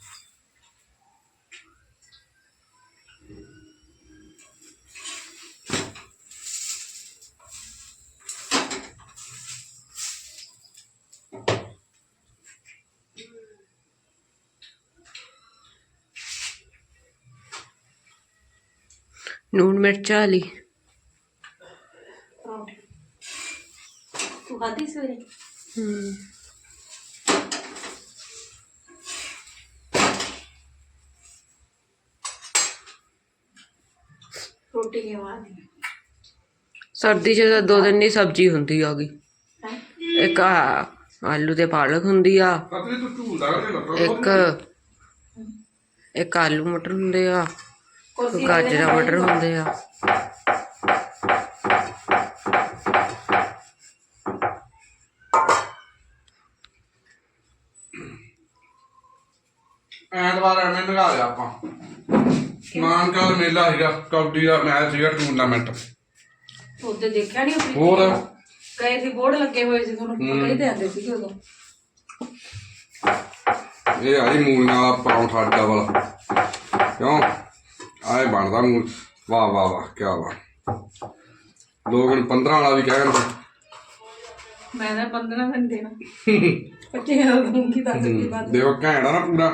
Speaker 2: ਨੂਣ ਮਿਰਚ ਵਾਲੀ
Speaker 1: ਪਰੌਂਠੀ ਤੂੰ ਖਾਧੀ ਸਵੇਰੇ?
Speaker 2: ਹੂੰ
Speaker 1: ਰੋਟੀ ਕਿਉਂ ਆਦੀ
Speaker 2: ਸਰਦੀ 'ਚ ਤਾਂ ਦੋ ਦਿਨ ਦੀ ਸਬਜ਼ੀ ਹੁੰਦੀ ਆ ਗਈ।
Speaker 1: ਹੈ?
Speaker 2: ਇੱਕ ਆ ਆਲੂ ਤੇ ਪਾਲਕ ਹੁੰਦੀ ਆ,
Speaker 3: ਪਤਲੀ ਤੂੰ ਝੂਲਦਾ ਕਰਦੇ ਲੱਗਾ
Speaker 2: ਇੱਕ ਇੱਕ ਆਲੂ ਮਟਰ ਹੁੰਦੇ ਆ,
Speaker 1: ਕੁਰਸੀ
Speaker 2: ਗਾਜਰਾਂ ਮਟਰ ਹੁੰਦੇ ਆ।
Speaker 3: ਐਤਵਾਰ ਐਵੇਂ ਲਗਾ ਲਿਆ ਆਪਾਂ। ਮਾਨਕਾ ਮੇਲਾ ਸੀਗਾ, ਕਬੱਡੀ ਦਾ ਮੈਚ ਸੀਗਾ, ਟੂਰਨਾਮੈਂਟ।
Speaker 1: ਉੱਤੇ ਦੇਖਿਆ ਨਹੀਂ
Speaker 3: ਹੋਰ
Speaker 1: ਗਏ ਸੀ, ਬੋਰਡ ਲੱਗੇ ਹੋਏ ਸੀ ਤੁਹਾਨੂੰ ਪਤਾ ਹੀ ਤੇ ਆਉਂਦੇ ਸੀਗੇ ਉਦੋਂ।
Speaker 3: ਇਹ ਆਈ ਮੂਲੀਆਂ ਵਾਲਾ ਪਰੌਂਠਾ ਡਬਲ। ਕਿਉਂ ਆਏ ਬਣਦਾ ਮੂਲ। ਵਾਹ ਵਾਹ ਵਾਹ ਕਿਆ ਵਾਹ। ਲੋਕ ਨੂੰ ਪੰਦਰਾਂ ਵਾਲਾ ਵੀ ਕਹਿਣਗੇ।
Speaker 1: ਮੈਂ ਤਾਂ ਪੰਦਰਾਂ ਦਿਨ ਦੇਣਾ ਪੱਚੀ ਹਜ਼ਾਰ ਦੂੰਗੀ ਦੱਸ ਕੀ ਬਾਤ।
Speaker 3: ਦੇਖੋ ਘੈਂਟ ਆ ਨਾ ਪੂਰਾ।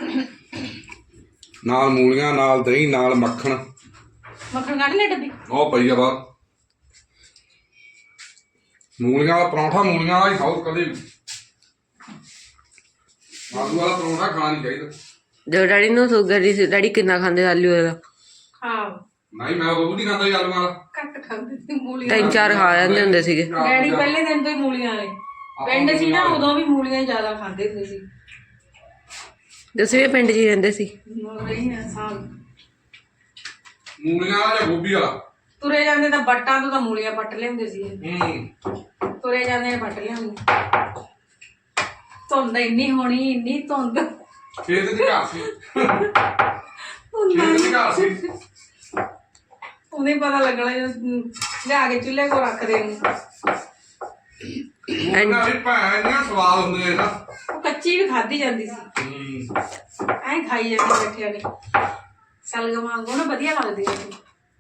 Speaker 3: ਨਾਲ ਮੂਲੀਆਂ, ਨਾਲ ਦਹੀਂ, ਨਾਲ ਮੱਖਣ।
Speaker 1: ਮੱਖਣ ਕੱਢ ਲੈ ਡੱਬੀ।
Speaker 3: ਉਹ ਪਈ ਆ ਬਾਹਰ। ਮੂਲੀਆਂ ਵਾਲਾ ਪਰੌਂਠਾ ਮੂਲੀਆਂ ਵਾਲਾ ਹੀ ਖਾਓ ਕਦੇ ਵੀ। ਆਲੂ ਵਾਲਾ ਪਰੌਂਠਾ ਖਾਣਾ ਨਹੀਂ ਚਾਹੀਦਾ।
Speaker 2: ਜੋ ਡੈਡੀ ਨੂੰ ਸ਼ੂਗਰ ਦੀ ਸੀ, ਡੈਡੀ ਕਿੰਨਾ ਖਾਂਦੇ ਆਲੂ ਦਾ?
Speaker 1: ਹਾਂ
Speaker 3: ਨਹੀਂ ਮੈਂ ਉਹ ਨਹੀਂ ਖਾਂਦਾ ਜੀ ਆਲੂ ਵਾਲਾ।
Speaker 1: ਘੱਟ ਖਾਂਦੇ ਸੀ ਮੂਲੀਆਂ।
Speaker 2: ਤਿੰਨ ਚਾਰ ਖਾ ਜਾਂਦੇ ਹੁੰਦੇ ਸੀਗੇ।
Speaker 1: ਡੈਡੀ ਪਹਿਲੇ ਦਿਨ ਤੋਂ ਹੀ ਮੂਲੀਆਂ ਵਾਲੇ ਪਿੰਡ ਸੀ ਨਾ, ਉਦੋਂ ਵੀ ਮੂਲੀਆਂ ਜ਼ਿਆਦਾ ਖਾਂਦੇ ਹੁੰਦੇ ਸੀ।
Speaker 2: ਤੁਸੀਂ ਵੀ ਪਿੰਡ 'ਚ ਹੀ ਰਹਿੰਦੇ ਸੀ?
Speaker 1: ਰਹੀ ਆ ਸਾਲ।
Speaker 3: ਮੂਲੀਆਂ ਵਾਲਾ ਜਾਂ ਗੋਭੀ ਵਾਲਾ?
Speaker 1: ਤੁਰੇ ਜਾਂਦੇ ਤਾਂ ਬੱਟਾਂ ਤੋਂ ਤਾਂ ਮੂਲੀਆਂ ਪੱਟ ਲਿਆਉਂਦੇ ਸੀ।
Speaker 3: ਹੂੰ
Speaker 1: ਤੁਰੇ ਜਾਂਦੇ ਨੇ ਪੱਟ ਲਿਆਉਂਦੇ। ਧੁੰਦ ਇੰਨੀ ਹੋਣੀ, ਇੰਨੀ ਧੁੰਦ।
Speaker 3: ਖੇਤ ਦੀ ਘਰ ਸੀ।
Speaker 1: ਧੁੰਦ
Speaker 3: ਖੇਤ ਦੀ ਘਰ ਸੀ।
Speaker 1: ਉਹਨੇ ਪਤਾ ਲੱਗਣਾ ਜਦੋਂ ਲਿਆ ਕੇ ਚੁੱਲ੍ਹੇ ਕੋਲ ਰੱਖਦੇ ਨੇ।
Speaker 3: ਇਹਨਾਂ ਦੀ ਭੈਣ ਇੰਨੀਆਂ ਸਵਾਦ ਹੁੰਦੀਆਂ ਨਾ।
Speaker 1: ਉਹ ਕੱਚੀ ਵੀ ਖਾਧੀ ਜਾਂਦੀ ਸੀ।
Speaker 3: ਹੂੰ
Speaker 1: ਐਂ ਖਾਈ ਜਾਂਦੇ ਬੈਠਿਆਂ ਨੇ ਸਲਗਮ ਵਾਂਗੂ ਨਾ, ਵਧੀਆ ਲੱਗਦੀ ਸੀ।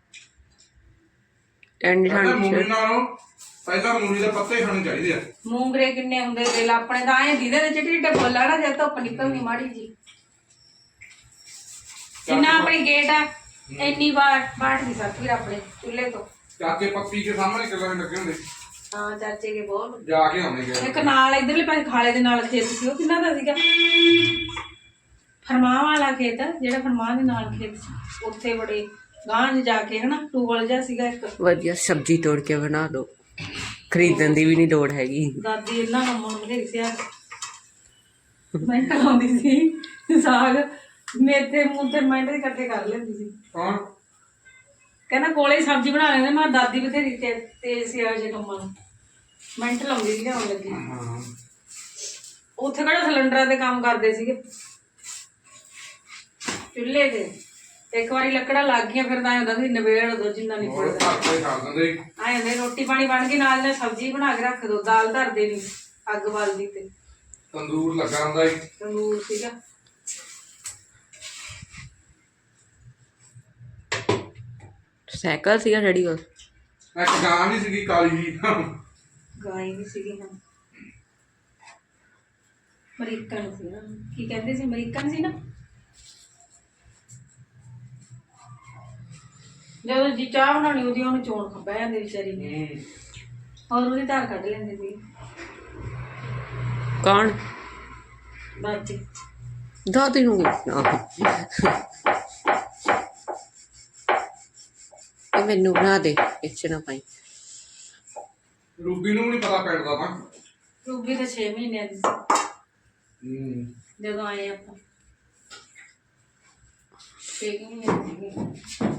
Speaker 2: ਠੰਡੀ
Speaker 3: ਕਹਿੰਦੇ
Speaker 2: ਠੰਡੀ
Speaker 3: ਮੂਲੀ ਨਾਲੋਂ ਪਹਿਲਾਂ ਮੂਲੀ ਦੇ ਪੱਤੇ ਖਾਣੇ ਚਾਹੀਦੇ ਆ।
Speaker 1: ਮੂੰਗਰੇ ਕਿੰਨੇ ਹੁੰਦੇ ਦਿਲ ਆਪਣੇ ਤਾਂ ਐਂ ਦੀਦੇ ਦੇ ਚਿੱਟੇ ਚਿੱਟੇ ਫੁੱਲ ਆ ਨਾ, ਜਦ ਧੁੱਪ ਨਿਕਲਣੀ ਮਾੜੀ ਜੀ। ਜਿੰਨਾ ਆਪਣੀ ਗੇਟ ਆ ਇੰਨੀ ਵਾਰ ਬਾਟ ਦੀ ਸੱਤ ਵੀ ਆਪਣੇ ਚੁੱਲ੍ਹੇ ਤੋਂ।
Speaker 3: ਚਾਚੇ ਪੱਪੀ ਕੇ ਸਾਹਮਣੇ ਕਿੱਲਾਂ ਲੱਗੇ ਹੁੰਦੇ।
Speaker 1: ਹਾਂ ਚਾਚੇ ਕੇ ਬਹੁਤ।
Speaker 3: ਜਾ ਕੇ ਆਉਂਦੇ ਗਏ।
Speaker 1: ਇੱਕ ਨਾਲ ਇਧਰਲੇ ਪਾਸੇ ਖਾਲੇ ਦੇ ਨਾਲ ਖੇਤ ਸੀ, ਉਹ ਕਿੰਨਾ ਦਾ ਸੀਗਾ? ਫਰਮਾਂ ਵਾਲਾ ਖੇਤ, ਜਿਹੜਾ ਫਰਮਾਂ ਦੇ ਨਾਲ ਖੇਤ ਸੀ, ਉੱਥੇ ਬੜੇ ਗਾਂਹ 'ਚ ਜਾ ਕੇ ਹਨਾ ਟੂਬਲ ਜਿਹਾ ਸੀਗਾ ਇੱਕ।
Speaker 2: ਵਧੀਆ ਸਬਜ਼ੀ ਤੋੜ ਕੇ ਬਣਾ ਦੋ, ਖਰੀਦਣ ਦੀ ਵੀ ਨਹੀਂ ਲੋੜ ਹੈਗੀ।
Speaker 1: ਦਾਦੀ ਇਹਨਾਂ ਕੰਮਾਂ ਨੂੰ ਬਥੇਰੀ ਸਿਆਰ ਮੈਂ ਲਾਉਂਦੀ ਸੀ ਸਾਗ, ਮੇਥੇ ਮੂਥੇ ਮਿੰਟ ਦੇ ਇਕੱਠੇ ਕਰ ਲੈਂਦੀ ਸੀ।
Speaker 3: ਕੌਣ?
Speaker 1: ਕਹਿੰਦਾ ਕੋਲੇ ਹੀ ਸਬਜ਼ੀ ਬਣਾ ਲੈਂਦੇ। ਮੈਂ ਦਾਦੀ ਬਥੇਰੀ ਤੇ ਤੇਜ਼ ਸੀ ਇਹੋ ਜਿਹੇ ਕੰਮਾਂ ਨੂੰ, ਮਿੰਟ ਲਾਉਂਦੀ ਸੀ ਲਿਆਉਣ ਲੱਗੀ।
Speaker 3: ਹਾਂ
Speaker 1: ਉੱਥੇ ਕਿਹੜਾ ਸਿਲੰਡਰਾਂ ਤੇ ਕੰਮ ਕਰਦੇ ਸੀਗੇ, ਚੁੱਲ੍ਹੇ ਤੇ। ਇੱਕ ਵਾਰੀ ਲੱਕੜਾਂ ਲੱਗ ਗਈਆਂ ਫਿਰ ਤਾਂ ਐਂ ਹੁੰਦਾ ਸੀ ਨਵੇੜ ਦੋ ਜਿੰਨਾ ਨਹੀਂ
Speaker 3: ਹੋਰ
Speaker 1: ਪੜਦਾ।
Speaker 3: ਘਰ ਕੋਈ ਕਰ ਦਿੰਦੇ ਸੀ।
Speaker 1: ਐਂ ਹੁੰਦੇ ਰੋਟੀ ਪਾਣੀ ਬਣ ਗਈ, ਨਾਲ ਨਾਲ ਸਬਜ਼ੀ ਬਣਾ ਕੇ ਰੱਖ ਦੋ, ਦਾਲ ਧਰਦੇ ਨਹੀਂ, ਅੱਗ ਬਲਦੀ ਤੇ
Speaker 3: ਤੰਦੂਰ ਲੱਗਾ ਹੁੰਦਾ ਸੀ।
Speaker 1: ਤੰਦੂਰ ਸੀਗਾ।
Speaker 2: ਸਾਈਕਲ ਸੀਗਾ ਡੈਡੀ ਕੋਲ?
Speaker 3: ਇੱਕ ਗਾਂ ਵੀ ਸੀਗੀ ਕਾਲੀ ਜੀ।
Speaker 1: ਗਾਈ ਵੀ ਸੀਗੀ। ਹਾਂ ਅਮਰੀਕਨ ਸੀ ਨਾ, ਕੀ ਕਹਿੰਦੇ ਸੀ, ਅਮਰੀਕਨ ਸੀ ਨਾ। ਜਦੋਂ ਜੀ ਚਾਹ ਬਣਾਉਣੀ ਉਹਦੀ ਉਹਨੂੰ ਚੋਣ ਖੱਬਾ ਜਾਂਦੇ ਵਿਚਾਰੀ ਨੇ, ਔਰ ਉਹਦੀ ਧਾਰ ਕੱਢ ਲੈਂਦੇ ਸੀ।
Speaker 2: ਕੌਣ?
Speaker 1: ਦਾਦੀ।
Speaker 2: ਦਾਦੀ ਨੂੰ ਨਾ ਇਹ ਮੈਨੂੰ ਬਣਾ ਦੇ ਇੱਚ ਨਾ ਪਾਈ।
Speaker 3: ਰੂਬੀ ਨੂੰ ਨਹੀਂ ਪਤਾ ਪਿੰਡ ਦਾ ਤਾਂ
Speaker 1: ਰੂਬੀ ਤਾਂ ਛੇ ਮਹੀਨਿਆਂ ਦੀ ਸੀ
Speaker 3: ਹੂੰ
Speaker 1: ਜਦੋਂ ਆਏ ਆਪਾਂ ਛੇ ਕੁ ਮਹੀਨੇ ਦੀ ਸੀਗੀ।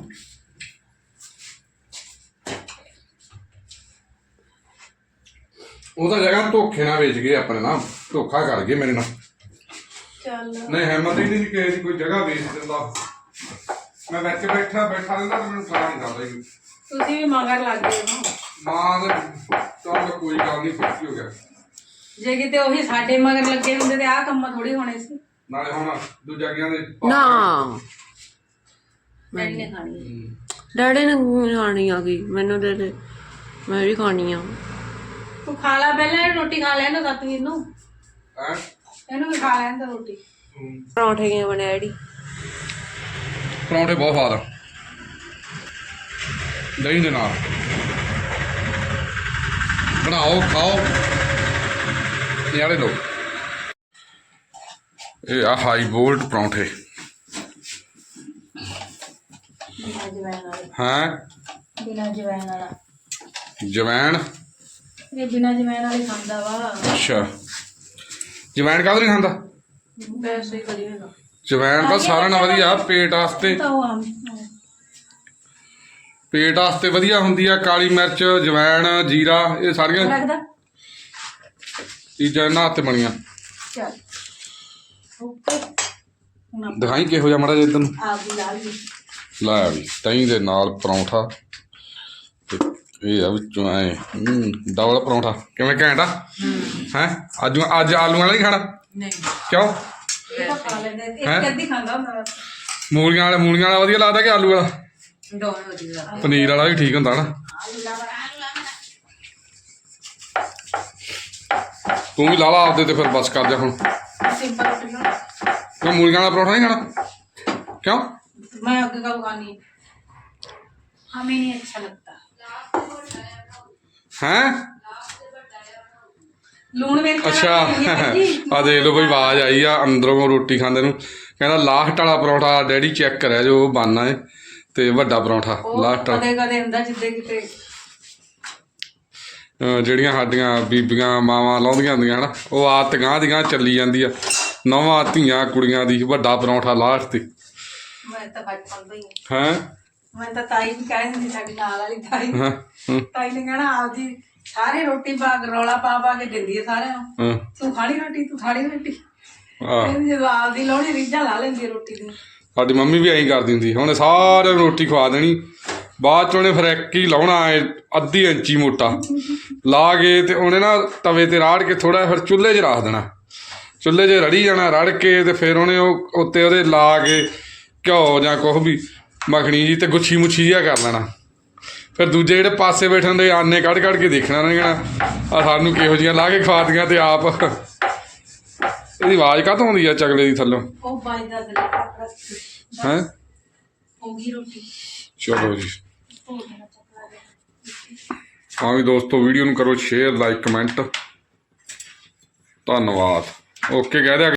Speaker 3: ਉਹ ਤਾਂ ਜਗ੍ਹਾ ਧੋਖੇ ਨਾਲ ਵੇਚ ਗਏ ਆਪਣੇ ਨਾਲ, ਧੋਖਾ ਕਰ ਗਏ ਮੇਰੇ ਨਾਲ।
Speaker 1: ਚੱਲ
Speaker 3: ਨਹੀਂ ਹਿੰਮਤ ਹੀ ਨਹੀਂ ਕਿਸੇ ਦੀ ਕੋਈ ਜਗ੍ਹਾ ਵੇਚ ਦਿੰਦਾ। ਮੈਂ ਵਿੱਚ ਬੈਠਾ ਬੈਠਾ ਰਹਿੰਦਾ ਤੇ ਮੈਨੂੰ ਪਤਾ ਨਹੀਂ ਕਰਦਾ ਜੀ।
Speaker 1: ਤੁਸੀਂ ਵੀ ਮਗਰ ਲੱਗ ਗਏ ਹੋ।
Speaker 3: ਮਾਂ ਦੇ ਤਾਂ ਕੋਈ ਗੱਲ ਨਹੀਂ, ਖੁਸ਼ੀ ਹੋ ਗਿਆ।
Speaker 1: ਜੇ ਕਿਤੇ ਉਹੀ ਸਾਡੇ ਮਗਰ ਲੱਗੇ ਹੁੰਦੇ ਤੇ ਆਹ ਕੰਮ ਥੋੜੀ ਹੋਣੇ ਸੀ।
Speaker 3: ਨਾਲੇ ਹੁਣ ਦੂਜਾ ਗਿਆ ਦੇ
Speaker 2: ਨਾ
Speaker 1: ਡੈਡੀ ਨੇ ਖਾਣੀ
Speaker 3: ਹੂੰ।
Speaker 2: ਡੈਡੀ ਨੇ ਖਾਣੀ ਆ ਗਈ, ਮੈਨੂੰ ਦੇ ਦੇ, ਮੈਂ ਵੀ ਖਾਣੀ ਆ।
Speaker 1: ਤੂੰ ਖਾ ਲਾ ਪਹਿਲਾਂ, ਇਹ ਰੋਟੀ ਖਾ ਲੈਣ ਦੋ ਸਤਵੀਰ ਨੂੰ,
Speaker 3: ਹੈਂ?
Speaker 1: ਇਹਨੂੰ ਵੀ ਖਾ ਲੈਣ ਦੋ ਰੋਟੀ।
Speaker 3: ਹੂੰ।
Speaker 2: ਪਰੌਂਠੇ ਕਿਵੇਂ ਬਣੇ ਡੈਡੀ?
Speaker 3: ਪਰੌਂਠੇ ਬਹੁਤ ਸਵਾਦ ਆ ਦਹੀਂ ਦੇ ਨਾਲ। ਬਣਾਓ ਖਾਓ ਨਿਆਰੇ ਲੋ। ਇਹ ਆ ਹਾਈ ਬੋਲਡ ਪਰੌਂਠੇ
Speaker 1: ਬਿਨਾਂ ਜਵੈਣ ਵਾਲਾ,
Speaker 3: ਹੈ।
Speaker 1: ਬਿਨਾਂ ਜਵੈਣ ਵਾਲਾ।
Speaker 3: ਜਵੈਣ
Speaker 1: ਇਹ ਬਿਨਾਂ ਜਵੈਣ ਵਾਲੇ ਖਾਂਦਾ ਵਾ।
Speaker 3: ਅੱਛਾ ਜਵੈਣ ਕਾਹਦੇ ਨਹੀਂ ਖਾਂਦਾ?
Speaker 1: ਵੈਸੇ ਹੀ ਵਧੀਆ ਹੈਗਾ।
Speaker 3: ਜਵੈਣ ਤਾਂ ਸਾਰਿਆਂ ਨਾਲ ਵਧੀਆ, ਪੇਟ ਵਾਸਤੇ
Speaker 1: ਤਾਂ ਉਹ ਆਮ
Speaker 3: ਪੇਟ ਵਾਸਤੇ ਵਧੀਆ ਹੁੰਦੀ ਆ। ਕਾਲੀ ਮਿਰਚ, ਜਵੈਣ, ਜੀਰਾ, ਇਹ ਸਾਰੀਆਂ
Speaker 1: ਲੱਗਦਾ।
Speaker 3: ਚੀਜ਼ਾਂ ਇਹਨਾਂ ਹੱਥ ਬਣੀਆਂ।
Speaker 1: ਚੱਲ ਓਕੇ, ਹੁਣ ਆਪਾਂ
Speaker 3: ਦਿਖਾਈ ਕਿਹੋ ਜਿਹਾ ਮਾੜਾ ਜਿਹਾ ਇੱਧਰ ਨੂੰ
Speaker 1: ਆਪ ਦੀ ਲਾ ਲਈ।
Speaker 3: ਲਾਇਆ ਵੀ ਦਹੀਂ ਦੇ ਨਾਲ ਪਰੌਂਠਾ ਤੇ ਇਹ ਆ ਵਿੱਚੋਂ ਐ ਡਬਲ ਪਰੌਂਠਾ। ਕਿਵੇਂ ਘੈਂਟ ਆ? ਹੈ ਅੱਜ ਅੱਜ ਆਲੂ ਵਾਲਾ ਨਹੀਂ ਖਾਣਾ?
Speaker 2: ਨਹੀਂ
Speaker 3: ਕਿਉਂ?
Speaker 1: ਇਹ ਤਾਂ ਖਾ ਲੈਂਦੇ,
Speaker 3: ਹੈਂ?
Speaker 1: ਇੱਕ ਅੱਧੀ ਖਾਂਦਾ ਹੁੰਦਾ।
Speaker 3: ਮੂਲੀਆਂ ਵਾਲਾ ਮੂਲੀਆਂ ਵਾਲਾ ਵਧੀਆ ਲੱਗਦਾ ਕਿ ਆਲੂ ਵਾਲਾ?
Speaker 2: ਦੋਵੇਂ ਵਧੀਆ।
Speaker 3: ਪਨੀਰ ਵਾਲਾ ਵੀ ਠੀਕ ਹੁੰਦਾ ਨਾ।
Speaker 1: ਆਲੂ ਲਾ ਲਾ।
Speaker 3: ਤੂੰ ਵੀ ਲਾ ਲਾ ਆਪਦੇ ਤੇ ਫਿਰ ਬਸ ਕਰ ਜਾ ਹੁਣ।
Speaker 1: ਸਿੰਪਲ ਰੋਟੀ ਨਾ
Speaker 3: ਤੂੰ ਮੂਲੀਆਂ ਵਾਲਾ ਪਰੌਂਠਾ ਨਹੀਂ ਖਾਣਾ? ਕਿਉਂ?
Speaker 1: मैं आगे का खानी हमें नहीं अच्छा लगता।
Speaker 3: हैं
Speaker 1: लूण मिर्च
Speaker 3: ਅੱਛਾ ਆ ਦੇਖ ਲਓ ਬਈ ਆਵਾਜ਼ ਆਈ ਆ ਅੰਦਰੋਂ ਰੋਟੀ ਖਾਂਦੇ ਨੂੰ। ਕਹਿੰਦਾ ਲਾਸਟ ਵਾਲਾ ਪਰੌਂਠਾ ਡੈਡੀ ਚੈੱਕ ਕਰਿਆ ਜੋ ਬਣਨਾ ਹੈ ਤੇ ਵੱਡਾ ਪਰੌਂਠਾ ਲਾਸਟ ਵਾਲਾ।
Speaker 1: ਕਦੇ ਕਦੇ ਹੁੰਦਾ ਜਿੱਦੇ ਕਿਤੇ
Speaker 3: ਅਹ ਜਿਹੜੀਆਂ ਸਾਡੀਆਂ ਬੀਬੀਆਂ ਮਾਵਾਂ ਲਾਉਂਦੀਆਂ ਹੁੰਦੀਆਂ ਹਨਾ, ਉਹ ਆਦਤ ਗਾਂਹ ਦੀ ਗਾਂਹ ਚੱਲੀ ਜਾਂਦੀ ਆ। ਨੌਵਾਂ ਧੀਆਂ ਕੁੜੀਆਂ ਦੀ ਵੱਡਾ ਪਰੌਂਠਾ ਲਾਸਟ ਤੇ।
Speaker 1: मैं तो बचपन ਤੋਂ ਹੀ
Speaker 3: ਹੈਂ
Speaker 1: मैं तो ताई भी कह दिंदी साडी नाल वाली ताई
Speaker 3: ਹਾਂ ਹਾਂ
Speaker 1: ताई ने कहना आपदी सारे रोटी पा रौला पा पा के दिंदी है सारे ਨੂੰ।
Speaker 3: ਹਾਂ
Speaker 1: तू खानी रोटी तू खानी रोटी
Speaker 3: ਆਹ
Speaker 1: ਕਹਿੰਦੀ ਜਦੋਂ ਆਪਦੀ ਲਾਉਣੀ ਰੀਝਾਂ ਲਾ ਲੈਂਦੀ ਹੈ ਰੋਟੀ ਦੀ।
Speaker 3: ਸਾਡੀ ਮੰਮੀ ਵੀ ਐਂ ਕਰਦੀ ਹੁੰਦੀ। ਉਹਨੇ ਸਾਰਿਆਂ ਨੂੰ ਰੋਟੀ ਖਵਾ ਦੇਣੀ, ਬਾਅਦ ਚ ਉਹਨੇ ਫਿਰ ਇੱਕ ਹੀ ਲਾਉਣਾ ਐ ਅੱਧੀ ਇੰਚੀ ਮੋਟਾ ਲਾ ਕੇ ਤੇ ਉਹਨੇ ਨਾ ਤਵੇ ਤੇ ਰਾੜ ਕੇ ਥੋੜਾ ਫਿਰ ਚੁੱਲ੍ਹੇ 'ਚ ਰੱਖ ਦੇਣਾ। ਚੁੱਲ੍ਹੇ 'ਚ ਰੜੀ ਜਾਣਾ ਰੜ ਕੇ ਤੇ ਫਿਰ ਉਹਨੇ ਉਹ ਉੱਤੇ ਉਹਦੇ ਲਾ ਕੇ ਘਿਓ ਜਾਂ ਕੁਛ ਵੀ ਮੱਖਣੀ ਜੀ ਤੇ ਗੁੱਛੀ ਮੁੱਛੀ ਜਿਹਾ ਕਰ ਲੈਣਾ। ਫਿਰ ਦੂਜੇ ਜਿਹੜੇ ਪਾਸੇ ਬੈਠੇ ਹੁੰਦੇ ਆਨੇ ਕੱਢ ਕੱਢ ਕੇ ਦੇਖਣਾ ਉਹਨੇ ਕਹਿਣਾ ਆ ਸਾਨੂੰ ਕਿਹੋ ਜਿਹੀਆਂ ਲਾ ਕੇ ਖਵਾ ਦੀਆਂ। ਤੇ ਆਪ ਇਹਦੀ ਆਵਾਜ਼ ਕਾਹਤੋਂ ਆਉਂਦੀ ਆ ਚਗਲੇ ਦੀ ਥੱਲੋਂ?
Speaker 1: ਉਹ ਬਾਈ ਦਾ ਦਿਲ ਕੱਟ
Speaker 3: ਹੈਂ
Speaker 1: ਹੋ ਗਈ ਰੋਟੀ।
Speaker 3: ਚਲੋ ਜੀ
Speaker 1: ਹੋ ਗਿਆ ਚੱਕਰਾ ਜਿਹਾ।
Speaker 3: ਹਾਂ ਵੀ ਦੋਸਤੋ ਵੀਡੀਓ ਨੂੰ ਕਰੋ ਸ਼ੇਅਰ ਲਾਈਕ ਕਮੈਂਟ। ਧੰਨਵਾਦ। ਓਕੇ ਕਹਿ ਦਿਆ।